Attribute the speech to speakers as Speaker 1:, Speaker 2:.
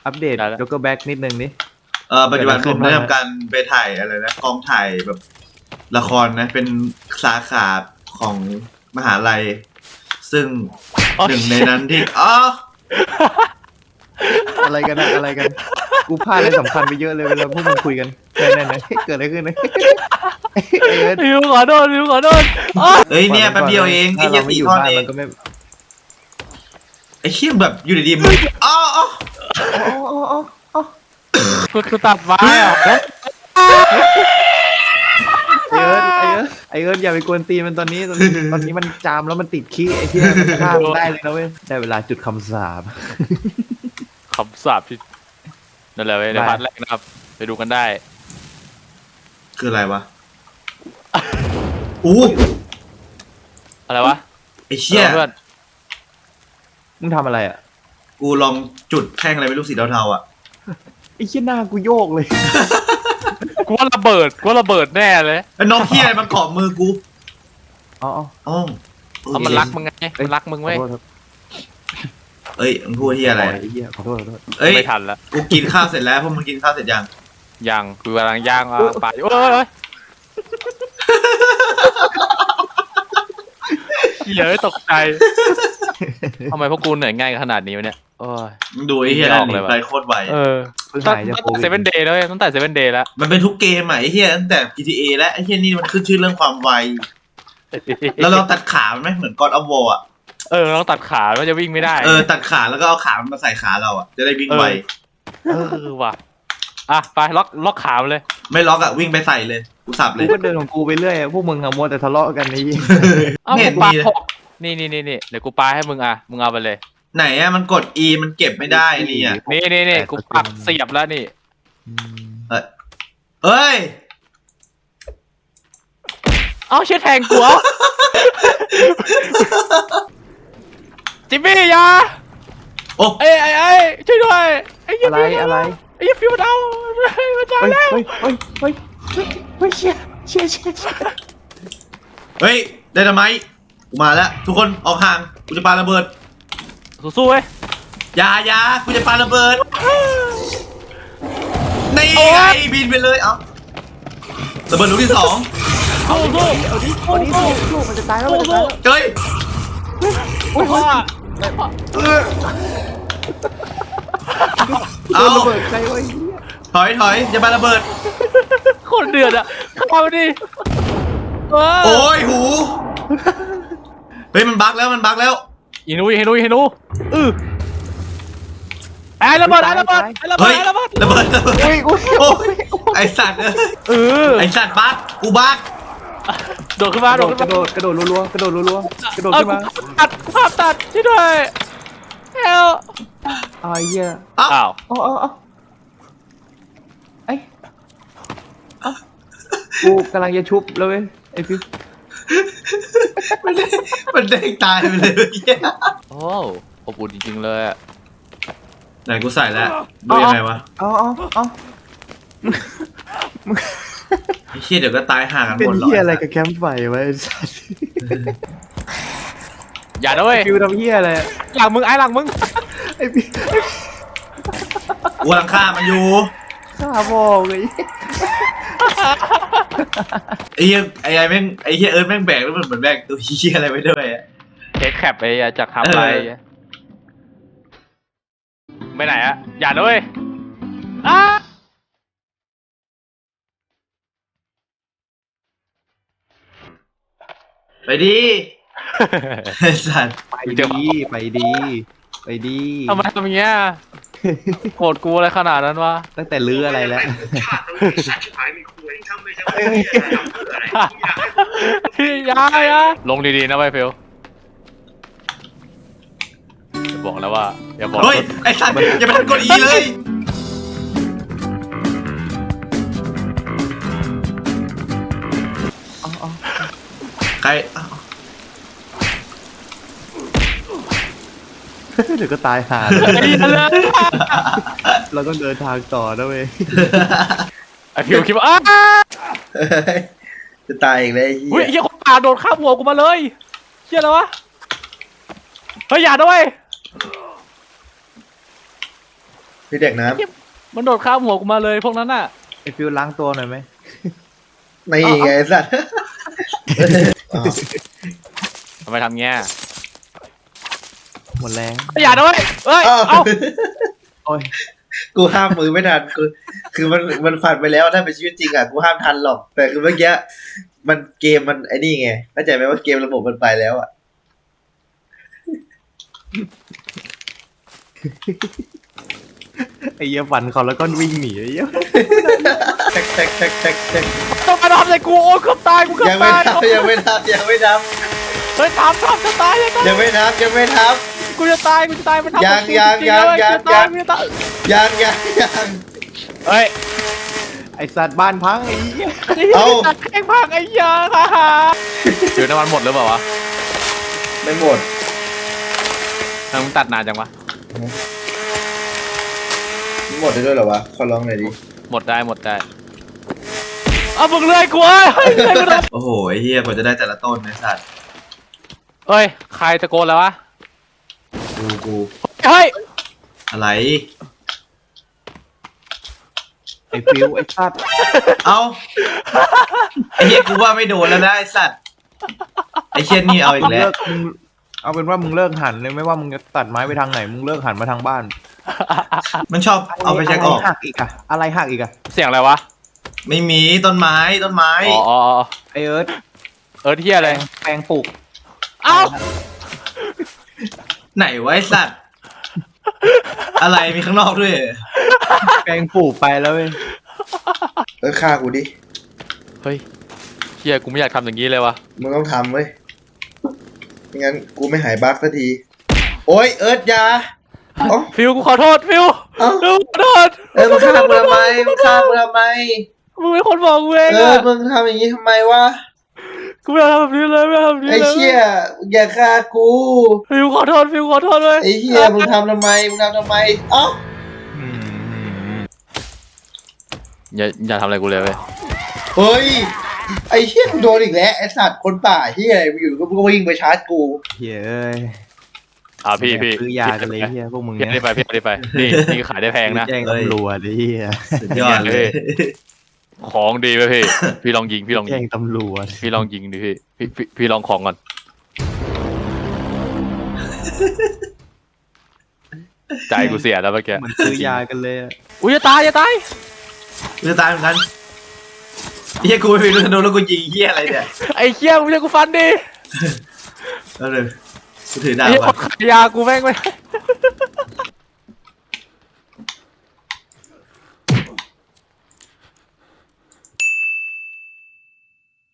Speaker 1: อัปเดตยกแบ็กนิดนึงนี่
Speaker 2: ปัจจุบันผมได้ทำการไปถ่ายอะไรนะกองถ่ายแบบละครนะเป็นสาขาของมหาลัยซึ่งหนึ่งในนั้นที่
Speaker 1: อะไรกันนะอะไรกันกูพลาดอะไรสำคัญไปเยอะเลยเวลาพวกมึงคุยกันนั่นเกิดอะไรขึ้นนะ
Speaker 3: ริวขอโทษ
Speaker 2: เฮ้ยเนี่ยแป๊บเดียวเองไอ้ยี่สี่ท่อนเองไอ้เชี่ยแบบอยู่ดีๆมึง
Speaker 3: กูตัดไว้อะ
Speaker 1: ไอเอิร์ธอย่าไปกวนตีมันตอนนี้มันจามแล้วมันติดขี้ไอ้ที่มันฆ่าได้เลยนะเว้ยได้เวลาจุดคำสาป
Speaker 3: ที่นั่นแหละเว้ยในพาร์ทแรกนะครับไปดูกันได้
Speaker 2: คืออะไรวะอู้
Speaker 3: อะไรวะ
Speaker 2: ไอ้เชี่ย
Speaker 3: เพื่อน
Speaker 1: มึงทำอะไรอ่ะ
Speaker 2: กูลองจุดแท่งอะไรไม่รู้สีเทาๆอ่ะ
Speaker 1: ไอ้เชี่ยหน้ากูโยกเลย
Speaker 3: กูว่าระเบิดแน่เลย
Speaker 2: ไอ้น้องเฮียอะไรมันเกาะมือกู
Speaker 3: มันรักมึงไงมันรักมึงเว้ย
Speaker 2: เอ้ยมึงพูดเฮียอะไร
Speaker 1: ขอโทษ
Speaker 2: เอ้ย
Speaker 3: ไม่ทันละ
Speaker 2: กูกินข้าวเสร็จแล้วพวกมึงกินข้าวเสร็จยัง
Speaker 3: กูกำลังย่างปลาอยู่เฮ้ยตกใจทำไมพวกกูเหนื่อยง่ายขนาดนี้วะเนี่ยโอ้ย
Speaker 2: ดูไอ้เฮียนั่นไปโคตรไว
Speaker 3: ตั้งแต่7 Day แล้วตั้งแต่7 Day แล้ว
Speaker 2: มันเป็นทุกเกมอ่ะไอ้เฮียตั้งแต่ GTA และไอ้เฮียนี่มันขึ้นชื่อเรื่องความไวแล้วเราตัดขาไหมเหมือนGod of War อ่ะ
Speaker 3: เราตัดขามันจะวิ่งไม่ได้
Speaker 2: ตัดขาแล้วก็เอาขามันมาใส่ขาเราอ่ะจะได้วิ่งไว
Speaker 3: ว่ะไปล็อกขาเลย
Speaker 2: ไม่ล็อกอ่ะวิ่งไปใส่เลยกูสับเลย
Speaker 1: กูก็เดินของกูไปเรื่อยพวกมึงอะมัวแต่ทะเลาะกันนี่
Speaker 3: ไม่เห็นมีนี่เดี๋ยวกูปาให้มึงมึงเอาไปเลย
Speaker 2: ไหนอ่ะมันกด E มันเก็บไม่ได้นี่อ่ะ
Speaker 3: นี่กูปักเสียบแล้วนี่
Speaker 2: เอ้ย
Speaker 3: เอาเชี่ยแทงกูจิมมี่ยา
Speaker 2: โอ้
Speaker 3: ไอ้ช่วยด้วย
Speaker 1: อะไร
Speaker 3: ไอ้ฟิวดาวมันตายแล้ว
Speaker 1: เฮ้ยเชี่ย
Speaker 2: เฮ้ยได้ทำไมกูมาแล้วทุกคนออกห่างกูจะปาระเบิด
Speaker 3: สู้ๆเว้ย
Speaker 2: ยากูจะปาระเบิดนี่ไงบินไปเลยระเบิดลูกที่2
Speaker 3: สู้
Speaker 1: มันจะตายแล้ว
Speaker 2: เฮ้ย
Speaker 1: ระเบิดใครวะ
Speaker 2: ถอยจะปาระเบิด
Speaker 3: คนเดือดเข้าดิ
Speaker 2: โอ้ยหูเฮ้ยมันบั๊กแล้ว
Speaker 3: เฮนูระเบิด
Speaker 2: ไอสัตว์ไอสัตว์บั๊กกูบั๊ก
Speaker 3: โดดขึ้นมาก
Speaker 1: ระโดดรัวกระโดดขึ้นมา
Speaker 3: ภาพตัดช่วยด้วยเฮล
Speaker 1: เหี้ยกูกำลังจะชุบแล้วเว้ยไอ้พี่
Speaker 2: มันได้ตายไปเลย
Speaker 3: โอ้อบอุ่นจริงๆเลย
Speaker 2: ไหนกูใส่แล้วดูยังไงวะไอ้เชี่ยเดี๋ยวก็ตายห่างกันหมดหรอ
Speaker 1: เป็นเหี้ยอะไรกับแคมป์ไฟวะไอ้สัส
Speaker 3: อย่าด้วย
Speaker 1: ฟิวทำเหี้ยอะไร
Speaker 3: หลังมึงไ
Speaker 1: อ้พี่
Speaker 2: กูหลังฆ่ามันอยู่
Speaker 1: ฆ่าบอกเลย
Speaker 2: ไอ้เหี้ยเอิร์ธแม่งแบกแล้วมันเหมือนแบกตัวเหี้ยอะไรไปด้วย
Speaker 3: เทคแคปจากทำอะไรไปไหนอย่าด้วย
Speaker 2: ไปดีสัตว์
Speaker 1: ไปดี
Speaker 3: ทำไมทำอย่างเงี้ยโกรธกูอะไรขนาดนั้นวะ
Speaker 1: ตั้งแต่ลื้ออะไรแล้ว
Speaker 3: ยาลงดีๆนะไวฟิลอย่าบอกแล้วว่าอย่าบอก
Speaker 2: เฮ้ยไอ้สัตว์อย่าไปทันกด E เลยใคร
Speaker 1: เดี๋ยวก็ตายห่าเราต้องเดินทางต่อนะเว้ย
Speaker 3: ไอฟิวคิดว่า
Speaker 2: จะตายอีกเลย
Speaker 3: เฮ้ยเฮียคนป่าโดนข้ามหัวกูมาเลยเฮียอะไรวะเฮ้ยอย่าด้วย
Speaker 2: พี่เด็กน้
Speaker 3: มันโดดข้ามหัวกูมาเลยพวกนั้นน่ะ
Speaker 1: ไอ้ฟิวล้างตัวหน่อยไหม
Speaker 2: ำไม่ไงไอ้สัตว์อ้าว
Speaker 3: ทำไมทำเงี้ย
Speaker 1: หมดแรง
Speaker 3: อย่าด้วยเอ้ย
Speaker 2: อ้าว
Speaker 3: เอ้า
Speaker 1: โอ้ย
Speaker 2: กูห้ามมือไม่ทันคือมันผ่านไปแล้วถ้าเป็นชีวิตจริงอ่ะกูห้ามทันหรอก แต่คือเมื่อกี้มันเกมมันไอ้นี่ไงเข้าใจไหมว่าเกมระบบมันไปแล้วอ่ะ
Speaker 1: ไอ้เหี้ยฟันเขาแล้วก็วิ่งหนีไอ้เหี้ย
Speaker 2: แท็กแท็กแท็กแท็กแท็ก
Speaker 3: ต้องมาทำอะไรกูโอ้ยเกือบตายกูเกือบ
Speaker 2: ยังไม่
Speaker 3: ตาย
Speaker 2: ทับยังไม่ทับยังไม่ทับ
Speaker 3: เฮ้ยทำจะตายจะตาย
Speaker 2: ยังไม่ทับยังไม่ทับ
Speaker 3: กูจะตายมันทำ
Speaker 2: ยัง
Speaker 3: กูจริๆ
Speaker 2: ยัง
Speaker 3: เลย
Speaker 2: ยัง
Speaker 3: กูจะตายกูจะตาย
Speaker 2: ยัง
Speaker 3: เฮ้ย
Speaker 1: ไอ้สัตว์บ้านพังไอ้เหี้ย
Speaker 2: เอ้า
Speaker 3: ตัดแข้งพังไอ้ยาค่ะเดี๋ยวน้ำมันหมดหรือเปล่าวะ
Speaker 2: ไม่หมด
Speaker 3: ทำไมมึงตัดนานจังวะ
Speaker 2: หมดได้ด้วยเหรอวะขอลองหน่อยดิ
Speaker 3: หมดได้เอามึงเลื่อยกูเอ้ยเลื่อยกูทำ
Speaker 2: โอ้โหไอ้เฮียกว่าจะได้แต่ละต้นไอ้สัตว์
Speaker 3: เฮ้ยใครตะโกนแล้ววะ
Speaker 2: กู
Speaker 3: เฮ้ย
Speaker 2: อะไร
Speaker 1: ไอ้ฟิวไอ้สัตว์
Speaker 2: เอาไอ้เฮียกูว่าไม่โดนแล้วนะไอ้สัตว์ไอ้เชี่ยนี่เอาอีกแล้ว
Speaker 1: มึงเอาเป็นว่ามึงเลิกหันเลยไม่ว่ามึงจะตัดไม้ไปทางไหนมึงเลิกหันมาทางบ้าน
Speaker 2: มันชอบเอาไปเช็คออก
Speaker 1: ะไรหักอีกอะอะไรหักอีกอะ
Speaker 3: เสียงอะไรวะ
Speaker 2: ไม่มีต้นไม้
Speaker 3: อ๋อ
Speaker 1: ไอ้เอิร์ธ
Speaker 3: เที่ยอะไร
Speaker 1: แปลงปลูก
Speaker 3: เอ้า
Speaker 2: ไหนวะไอ้สัตว์อะไรมีข้างนอกด้วย
Speaker 1: แปลงปลูกไปแล้วเว้ย
Speaker 2: ฆ่ากูดิ
Speaker 3: เฮ้ยเที่ยกูไม่อยากทำอย่างนี้เลยวะ
Speaker 2: มึงต้องทำเว้ยไม่งั้นกูไม่หายบั๊กสักทีโอ๊ยเอิร์ธอยาเอ้า
Speaker 3: ฟิวกูขอโทษฟิว
Speaker 2: เอ้า
Speaker 3: ฟิวขอโทษ
Speaker 2: มึงฆ่ากูทำไมมึงฆ่ากูทำไม
Speaker 3: มึงเป็นคนบอกกูเอง
Speaker 2: เออ
Speaker 3: อะ
Speaker 2: มึงทำอย่างนี้ทำไมวะ
Speaker 3: กูไม่อยากทำแบบนี้เลยไม่อยากทำแบบนี้
Speaker 2: ไอ้
Speaker 3: เลย
Speaker 2: เชี่ยอย่าฆ่ากู
Speaker 3: ฟิวขอโทษฟิวขอโทษเลย
Speaker 2: ไอ้เชี่ยมึงทำทำไมมึงทำทำไมเอ้า
Speaker 3: อย่าทำอะไรกูเลยเว้ย
Speaker 2: เฮ้ยไอ้เชี่ยกูโดนอีกแล้วไอ้สัตว์คนป่าเชี่ยอะไรอยู่ก็วิ่งไปชาร์จกู
Speaker 1: เฮ้ยเอ้ย
Speaker 3: พี่
Speaker 1: ซื้อยากันเลยเฮียพวกมึง
Speaker 3: พี่
Speaker 1: เนี่ย
Speaker 3: ได้ไปนี่ขายได้แพงนะ
Speaker 1: แจ้งตำรวจไอ้เฮีย
Speaker 2: สุดยอดเลย
Speaker 3: ของดีไปพี่ลองยิง
Speaker 1: แจ้งตำรวจ
Speaker 3: พี่ลองยิงดิพี่ลองของก่อนใจกูเสียแล้วเมื่อกี้
Speaker 1: เหมือนซื้อยากันเลยอะ
Speaker 3: อุ้ยอย่าตาย
Speaker 2: จะตายเหมือนกันเฮียกูไม่มีลูกธนูแล้วกูยิงเฮียอะไรเนี่ย
Speaker 3: ไอ้เคี้ยมึงจะกูฟันดิ
Speaker 2: แล้วเลยกูถือดาบ
Speaker 3: ไอ้
Speaker 2: ก่อน
Speaker 3: ขายยากูแม่งไม่